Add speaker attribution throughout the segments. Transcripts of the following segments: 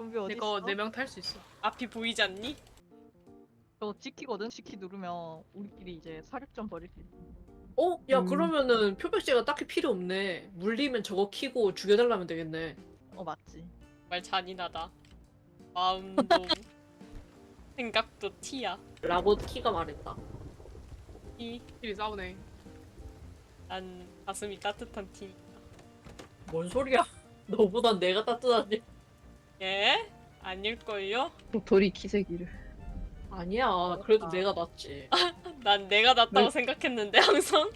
Speaker 1: 좀비 어디
Speaker 2: 이거
Speaker 1: 있어?
Speaker 2: 4명 탈 수 있어.
Speaker 3: 앞이 보이지 않니?
Speaker 1: 저거 찍히거든? 찍히 누르면 우리끼리 이제 사격전 벌일 수 있어.
Speaker 2: 야 그러면은 표백제가 딱히 필요 없네. 물리면 저거 키고 죽여달라면 되겠네.
Speaker 1: 맞지.
Speaker 3: 정말 잔인하다. 마음도 생각도 티야.
Speaker 2: 라고 키가 말했다.
Speaker 4: 끼리 싸우네.
Speaker 3: 난 가슴이 따뜻한 티.
Speaker 2: 뭔 소리야? 너보단 내가 따뜻하지.
Speaker 3: 예? 아닐걸요?
Speaker 5: 도리 기세기를.
Speaker 2: 아니야. 그래도 내가 낫지.
Speaker 3: 난 내가 낫다고
Speaker 5: 왜?
Speaker 3: 생각했는데 항상.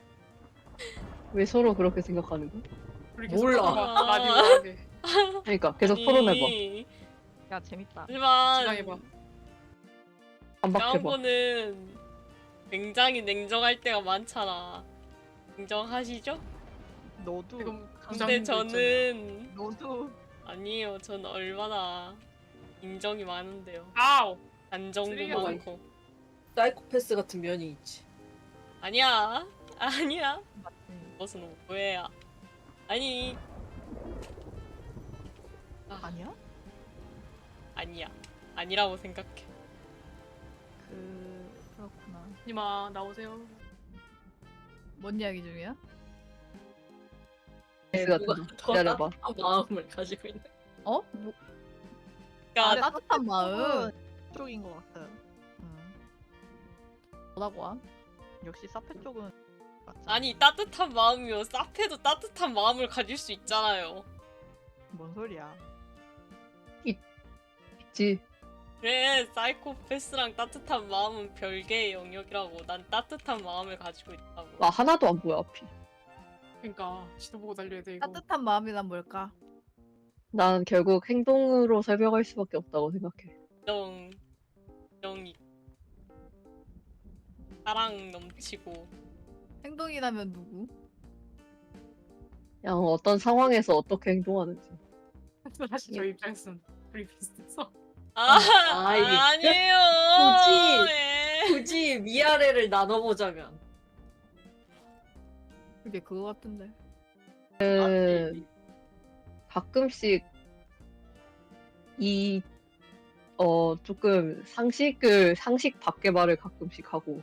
Speaker 5: 왜 서로 그렇게 생각하는 거야?
Speaker 4: 우리
Speaker 2: 몰라.
Speaker 4: 계속 많이 말하게.
Speaker 5: 그러니까 계속
Speaker 3: 아니,
Speaker 5: 토론해봐.
Speaker 1: 야 재밌다.
Speaker 3: 하지만
Speaker 4: 지나해봐.
Speaker 5: 반박해봐.
Speaker 3: 양보는 굉장히 냉정할 때가 많잖아. 인정하시죠?
Speaker 1: 너도
Speaker 4: 지금
Speaker 3: 근데 저는
Speaker 1: 너도
Speaker 3: 아니에요. 전 얼마나 인정이 많은데요.
Speaker 4: 아우.
Speaker 3: 안정도
Speaker 4: 쓰레기가
Speaker 3: 많고.
Speaker 2: 사이코패스 같은 면이 있지.
Speaker 3: 아니야. 아니야.
Speaker 1: 맞지.
Speaker 3: 무슨 오해야. 아니.
Speaker 1: 아니야?
Speaker 3: 아니야. 아니라고 생각해.
Speaker 1: 그렇구나.
Speaker 4: 님아 나오세요.
Speaker 6: 뭔 이야기 중이야?
Speaker 5: S 같은 거. 기다려봐.
Speaker 2: 따뜻한 마음을 가지고 있는.
Speaker 6: 어? 뭐,
Speaker 3: 그러니까
Speaker 6: 따뜻한 마음.
Speaker 1: 쪽인 것 같아요.
Speaker 6: 뭐라고 함?
Speaker 1: 역시 사페 쪽은 맞지.
Speaker 3: 아니 따뜻한 마음이요. 사페도 따뜻한 마음을 가질 수 있잖아요.
Speaker 1: 뭔 소리야?
Speaker 5: 있지.
Speaker 3: 그래 사이코패스랑 따뜻한 마음은 별개의 영역이라고. 난 따뜻한 마음을 가지고 있다고.
Speaker 5: 나 하나도 안 보여 앞이.
Speaker 4: 그러니까 지도 보고 달려야 돼 이거.
Speaker 6: 따뜻한 마음이란 뭘까?
Speaker 5: 난 결국 행동으로 설명할 수밖에 없다고 생각해.
Speaker 3: 영이 사랑 넘치고.
Speaker 6: 행동이라면 누구?
Speaker 5: 그냥 어떤 상황에서 어떻게 행동하는지.
Speaker 4: 사실 저희 입장에서는 우리 비슷했어.
Speaker 2: 아이,
Speaker 3: 아니에요.
Speaker 2: 굳이.
Speaker 3: 예.
Speaker 2: 굳이 위아래를 나눠보자면.
Speaker 6: 그게 그거 같은데.
Speaker 5: 그 가끔씩 조금 상식 밖의 말을 가끔씩 하고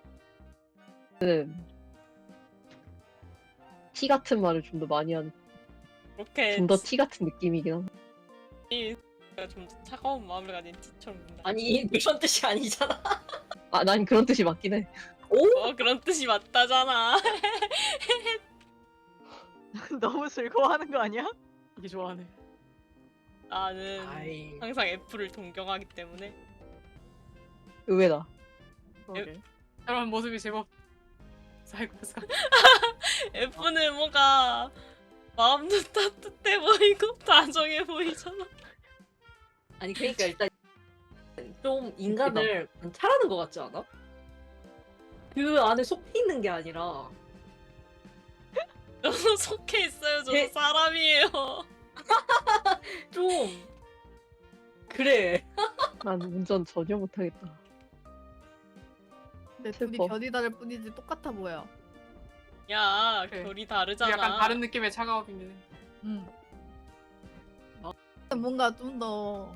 Speaker 5: 티 같은 말을 좀 더 많이 하는
Speaker 3: 그렇게
Speaker 5: 좀 더 티 같은 느낌이긴 한데.
Speaker 3: 좀 더 차가운 마음을 가진 티처럼 군다.
Speaker 2: 아니 그런 뜻이 아니잖아.
Speaker 5: 난 그런 뜻이 맞긴 해.
Speaker 3: 그런 뜻이 맞다잖아.
Speaker 1: 너무 즐거워하는 거 아니야?
Speaker 4: 이게 좋아하네.
Speaker 3: 나는
Speaker 2: 아이.
Speaker 3: 항상 F를 동경하기 때문에.
Speaker 5: 의외다.
Speaker 1: 그러게.
Speaker 4: 저런 모습이 제법 사이코패스 같아.
Speaker 3: F는 뭔가 마음도 따뜻해 보이고 다정해 보이잖아.
Speaker 2: 아니 그러니까 일단 좀 인간을 관찰하는 것 같지 않아? 그 안에 속해 있는 게 아니라
Speaker 3: 저도 속해 있어요. 저도
Speaker 2: 제-
Speaker 3: 사람이에요.
Speaker 2: 좀 그래.
Speaker 5: 난 운전 전혀 못하겠다.
Speaker 6: 근데 둘이
Speaker 5: 슬퍼.
Speaker 6: 결이 다를 뿐이지 똑같아 보여.
Speaker 3: 야,
Speaker 4: 그래.
Speaker 3: 결이 다르잖아.
Speaker 4: 약간 다른 느낌의 차가움이네.
Speaker 6: 응. 뭔가 좀 더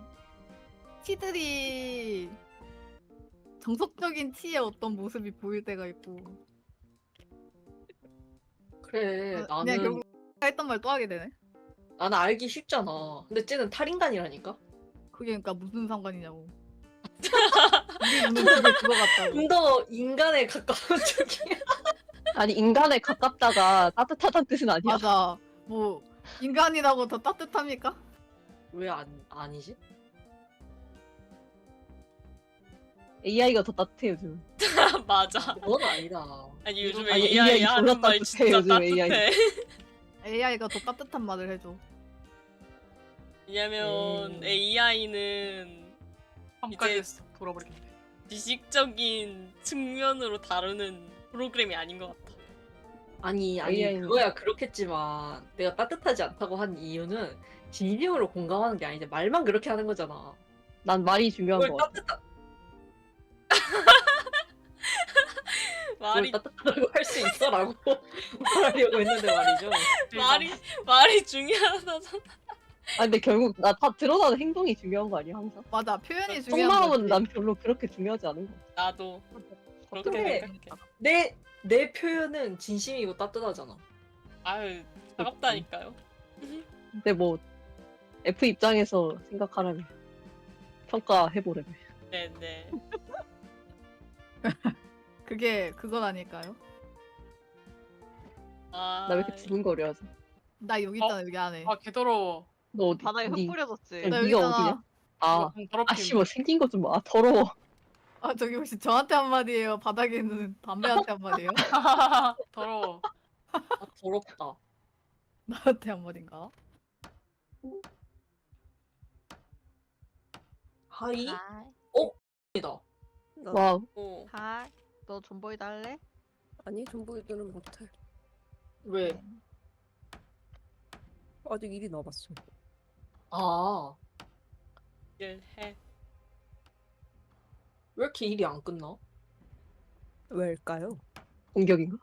Speaker 6: 티들이 정석적인 티의 어떤 모습이 보일 때가 있고.
Speaker 2: 그래
Speaker 6: 그냥
Speaker 2: 나는
Speaker 6: 결국 했던 말 또 하게 되네.
Speaker 2: 나는 알기 쉽잖아. 근데 쟤는 탈인간이라니까.
Speaker 6: 그게 그러니까 무슨 상관이냐고. 우리 눈은 그게 그거 같다고.
Speaker 2: 좀 더 인간에 가까운 쪽이야.
Speaker 5: 아니 인간에 가깝다가 따뜻하다는 뜻은 아니야.
Speaker 6: 맞아. 뭐 인간이라고 더 따뜻합니까?
Speaker 2: 왜 아니지?
Speaker 5: AI가 더 따뜻해 요즘.
Speaker 3: 맞아.
Speaker 2: 그건 아니다.
Speaker 3: 아니 요즘에
Speaker 5: 아니,
Speaker 3: AI
Speaker 5: AI
Speaker 3: 하는
Speaker 5: 졸라
Speaker 3: 말
Speaker 5: 따뜻해,
Speaker 3: 진짜
Speaker 5: 요즘
Speaker 3: 따뜻해.
Speaker 5: AI.
Speaker 6: AI가 더 따뜻한 말을 해줘.
Speaker 3: 왜냐면 AI는
Speaker 4: 험까지 돌아버리겠네.
Speaker 3: 지식적인 측면으로 다루는 프로그램이 아닌 것 같아.
Speaker 2: 아니
Speaker 5: AI 는-
Speaker 2: 그거야 그렇겠지만 내가 따뜻하지 않다고 한 이유는 진심으로 공감하는 게 아닌데 말만 그렇게 하는 거잖아.
Speaker 5: 난 말이 중요한
Speaker 2: 그걸
Speaker 5: 거 같아.
Speaker 3: 말이
Speaker 2: 따뜻하다고 할 수 있어라고 말하려고 했는데 말이죠.
Speaker 3: 말이 중요하다잖아.
Speaker 5: 아 근데 결국 나 다 드러나는 행동이 중요한 거 아니야 항상?
Speaker 6: 맞아 표현이 중요한
Speaker 5: 속마음은
Speaker 6: 거지.
Speaker 5: 난 별로 그렇게 중요하지 않은 거.
Speaker 3: 나도 그렇게
Speaker 2: 근데-
Speaker 3: 생각해.
Speaker 2: 내 표현은 진심이고 따뜻하잖아.
Speaker 3: 아유 차갑다니까요.
Speaker 5: 근데 뭐 F 입장에서 생각하라면 평가해보래.
Speaker 3: 네네.
Speaker 6: 그게 그건 아닐까요?
Speaker 3: 아,
Speaker 5: 나 왜 이렇게 두근거려 하지?
Speaker 6: 나 여기 있잖아 여기 안에.
Speaker 4: 아 개더러워.
Speaker 5: 너 어디?
Speaker 1: 바닥에 흙
Speaker 5: 니-
Speaker 1: 뿌려졌지.
Speaker 6: 나 여기
Speaker 5: 네가
Speaker 6: 있잖아.
Speaker 5: 어디냐? 아,
Speaker 4: 더럽힘.
Speaker 5: 아씨 뭐 생긴 것 좀 봐. 아, 더러워.
Speaker 6: 아 저기 혹시 저한테 한마디예요? 바닥에 있는 담배한테 한마디예요?
Speaker 4: 더러워.
Speaker 2: 아, 더럽다.
Speaker 6: 나한테 한마디인가?
Speaker 2: 하이?
Speaker 1: 하이.
Speaker 2: 이다.
Speaker 5: 와우.
Speaker 3: 오.
Speaker 1: 하이. 너 존보이 달래?
Speaker 7: 아니 전보이들은 못해.
Speaker 2: 왜?
Speaker 7: 아직 일이 남았어.
Speaker 2: 아,
Speaker 3: 일해.
Speaker 2: 왜 이렇게 일이 안 끝나?
Speaker 7: 왜일까요?
Speaker 5: 공격인가?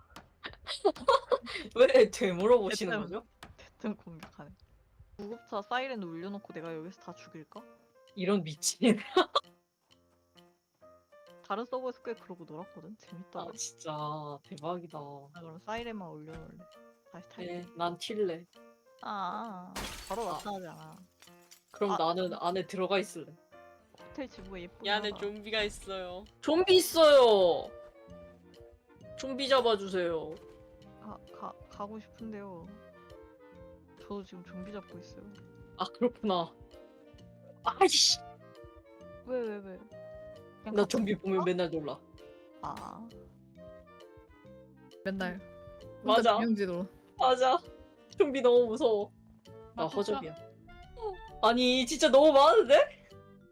Speaker 2: 왜 되물어보시는
Speaker 1: 대뜸.
Speaker 2: 거죠?
Speaker 1: 대뜸 공격하네. 구급차 사이렌 울려놓고 내가 여기서 다 죽일까?
Speaker 2: 이런 미친.
Speaker 1: 다른 서버에서 꽤 그러고 놀았거든. 재밌다.
Speaker 2: 아, 진짜 대박이다.
Speaker 1: 나 그럼 사이렌만 올려놓을래. 다시 탈게.
Speaker 2: 네, 난 튈래.
Speaker 1: 바로
Speaker 2: 아.
Speaker 1: 나타나지 않아.
Speaker 2: 그럼
Speaker 1: 아.
Speaker 2: 나는 안에 들어가 있을래.
Speaker 1: 호텔 지붕에 예쁘게
Speaker 3: 이 안에
Speaker 1: 하나.
Speaker 3: 좀비가 있어요.
Speaker 2: 좀비 있어요. 좀비 잡아주세요.
Speaker 1: 가고 싶은데요. 저도 지금 좀비 잡고 있어요.
Speaker 2: 아, 그렇구나. 아이씨.
Speaker 1: 왜? 그냥
Speaker 2: 나
Speaker 1: 같이
Speaker 2: 좀비
Speaker 1: 있을까?
Speaker 2: 보면 맨날 놀라.
Speaker 1: 아,
Speaker 6: 맨날.
Speaker 2: 맞아.
Speaker 6: 명지로.
Speaker 2: 맞아. 좀비 너무 무서워. 나
Speaker 4: 맞아.
Speaker 2: 허접이야. 아니, 진짜 너무 많은데?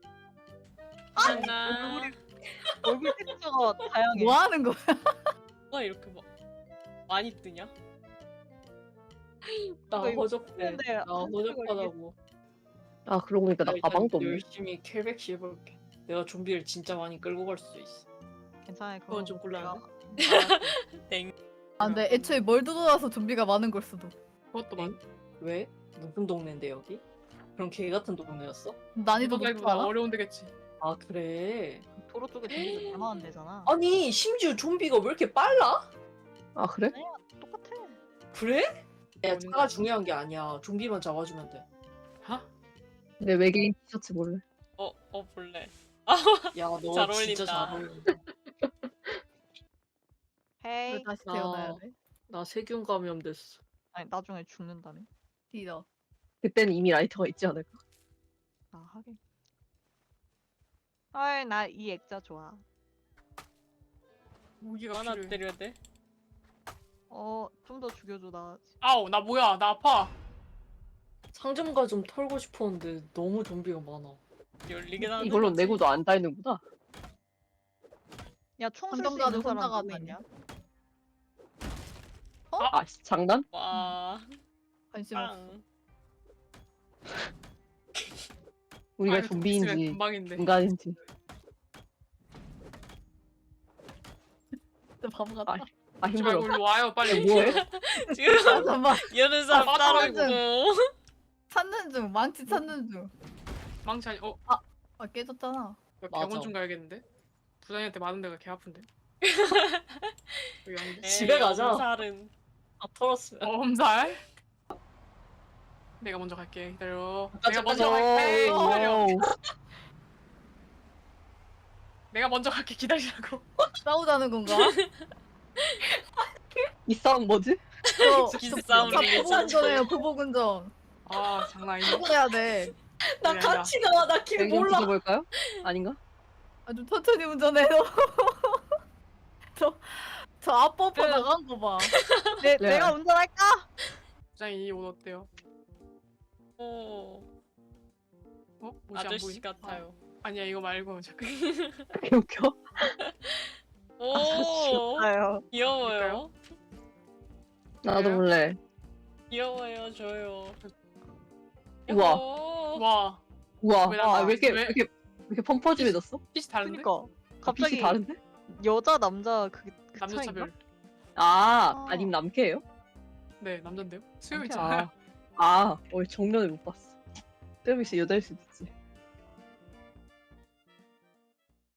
Speaker 3: 하나.
Speaker 1: 얼굴 텍스처가 다양해.
Speaker 6: 뭐 하는 거야?
Speaker 3: 와 이렇게 막 많이 뜨냐?
Speaker 2: 나
Speaker 1: 이거
Speaker 2: 허접해.
Speaker 1: 근데
Speaker 2: 나 허접하다고.
Speaker 5: 아 그러고 보니까 나
Speaker 2: 일단
Speaker 5: 가방도 없네.
Speaker 2: 열심히 캘백시 해볼게. 내가 좀비를 진짜 많이 끌고 갈 수 있어.
Speaker 1: 괜찮아요.
Speaker 2: 그건 좀 곤란하네.
Speaker 3: 땡.
Speaker 6: 아 근데 애초에 뭘 들어와서 좀비가 많은 걸 수도.
Speaker 4: 그것도 많.
Speaker 2: 왜? 무슨 동네인데 여기? 그럼 개 같은 동네였어?
Speaker 6: 난이도
Speaker 4: 이거
Speaker 6: 높지
Speaker 4: 나
Speaker 6: 않아?
Speaker 4: 어려운 데겠지.
Speaker 2: 아, 그래.
Speaker 1: 도로 쪽에 좀비들 많은 데잖아.
Speaker 2: 아니, 심지어 좀비가 왜 이렇게 빨라?
Speaker 5: 아 그래?
Speaker 1: 똑같아.
Speaker 2: 그래? 야,
Speaker 4: 뭐는
Speaker 2: 차가 중요한 게 아니야. 좀비만 잡아주면 돼.
Speaker 4: 하?
Speaker 5: 내 외계인 티셔츠 몰래.
Speaker 3: 볼래.
Speaker 2: 야, 너
Speaker 3: 잘
Speaker 2: 진짜
Speaker 3: 어울린다.
Speaker 2: 잘 어울린다.
Speaker 1: 헤이.
Speaker 6: 왜 다시 태어나야 돼?
Speaker 2: 나 세균 감염 됐어.
Speaker 1: 아니 나중에 죽는다며.
Speaker 6: 뒤져.
Speaker 5: 그때는 이미 라이터가 있지 않을까?
Speaker 1: 아 하긴. 헐, 나 이 액자 좋아.
Speaker 4: 무기가
Speaker 3: 하나
Speaker 4: 필요해.
Speaker 3: 때려야 돼.
Speaker 1: 좀 더 죽여줘 나.
Speaker 4: 아우 나 뭐야 나 아파.
Speaker 2: 상점가 좀 털고 싶었는데 너무 좀비가 많아.
Speaker 3: 열리게 나는
Speaker 5: 이걸로
Speaker 3: 거지.
Speaker 5: 내구도 안 달는구나.
Speaker 1: 야, 총 쓸 수
Speaker 6: 한정가는
Speaker 1: 있는 사람
Speaker 6: 혼자가
Speaker 1: 누구
Speaker 6: 있냐?
Speaker 1: 있냐?
Speaker 5: 아 씨, 장난?
Speaker 3: 와.
Speaker 6: 관심 없어.
Speaker 3: 빵.
Speaker 5: 우리가
Speaker 4: 아이고, 있으면
Speaker 5: 좀비인지
Speaker 4: 금방인데.
Speaker 5: 인간인지.
Speaker 6: 진짜 바보 같다.
Speaker 5: 아, 아
Speaker 4: 하지
Speaker 5: 힘들어.
Speaker 4: 말고 일로 와요 빨리.
Speaker 5: 뭐해?
Speaker 3: 지금
Speaker 6: 잠깐만.
Speaker 3: 이러는 사람
Speaker 4: 아,
Speaker 3: 따로
Speaker 6: 맞아.
Speaker 3: 있고.
Speaker 6: 찾는 중. 망치 찾는 중.
Speaker 4: 망치 아니
Speaker 6: 아 깨졌잖아.
Speaker 2: 맞아.
Speaker 4: 병원 좀 가야겠는데. 부장님한테 맞은 데가 개 아픈데. 여기 아닌데.
Speaker 2: 집에 가자.
Speaker 3: 살은
Speaker 2: 아, 털었으면.
Speaker 4: 엄살. 내가 먼저 갈게. 기다려.
Speaker 2: 가자,
Speaker 4: 내가 먼저
Speaker 2: 가자.
Speaker 4: 갈게. 기다려.
Speaker 5: 와우.
Speaker 4: 내가 먼저 갈게. 기다리라고.
Speaker 6: 싸우자는 건가?
Speaker 5: 이 싸움 뭐지?
Speaker 3: 기싸움
Speaker 6: 저
Speaker 3: 리니지.
Speaker 6: 보복운전해요 보복운전.
Speaker 4: 아 장난 아니네.
Speaker 6: 해야 돼.
Speaker 2: 나
Speaker 4: 아니다.
Speaker 2: 같이 가. 나 길
Speaker 5: 여기 좀
Speaker 2: 몰라.
Speaker 5: 붙여볼까요? 아닌가?
Speaker 6: 아주 천천히 운전해요. 저 앞버퍼
Speaker 1: 그-
Speaker 6: 나간 거 봐.
Speaker 1: 내가 운전할까?
Speaker 4: 부장님 이 옷 어때요?
Speaker 3: 오.
Speaker 4: 어? 옷이 안
Speaker 3: 아저씨
Speaker 4: 보이네?
Speaker 3: 같아요.
Speaker 4: 아니야 이거 말고 잠깐.
Speaker 5: 개 웃겨.
Speaker 3: 오.
Speaker 1: 아요.
Speaker 3: 귀여워요.
Speaker 5: 나도
Speaker 4: 그래요?
Speaker 5: 몰래.
Speaker 3: 귀여워요 저요.
Speaker 5: 우와.
Speaker 3: 야호.
Speaker 4: 와
Speaker 5: 우와.
Speaker 4: 왜
Speaker 5: 아,
Speaker 4: 나가?
Speaker 5: 왜 이렇게
Speaker 4: 왜?
Speaker 5: 왜 이렇게 펌퍼짐해졌어?
Speaker 4: 빛이 다른데?
Speaker 1: 그니까
Speaker 5: 빛이
Speaker 1: 갑자기
Speaker 5: 다른데?
Speaker 1: 여자 남자 그
Speaker 4: 남자
Speaker 1: 차이인가?
Speaker 4: 차별.
Speaker 5: 아님 남캐예요?
Speaker 4: 네 남잔데요? 수염
Speaker 1: 남캐.
Speaker 4: 있잖아요.
Speaker 5: 아, 정면을 못 봤어. 좀 있으면 여자일 수도 있지.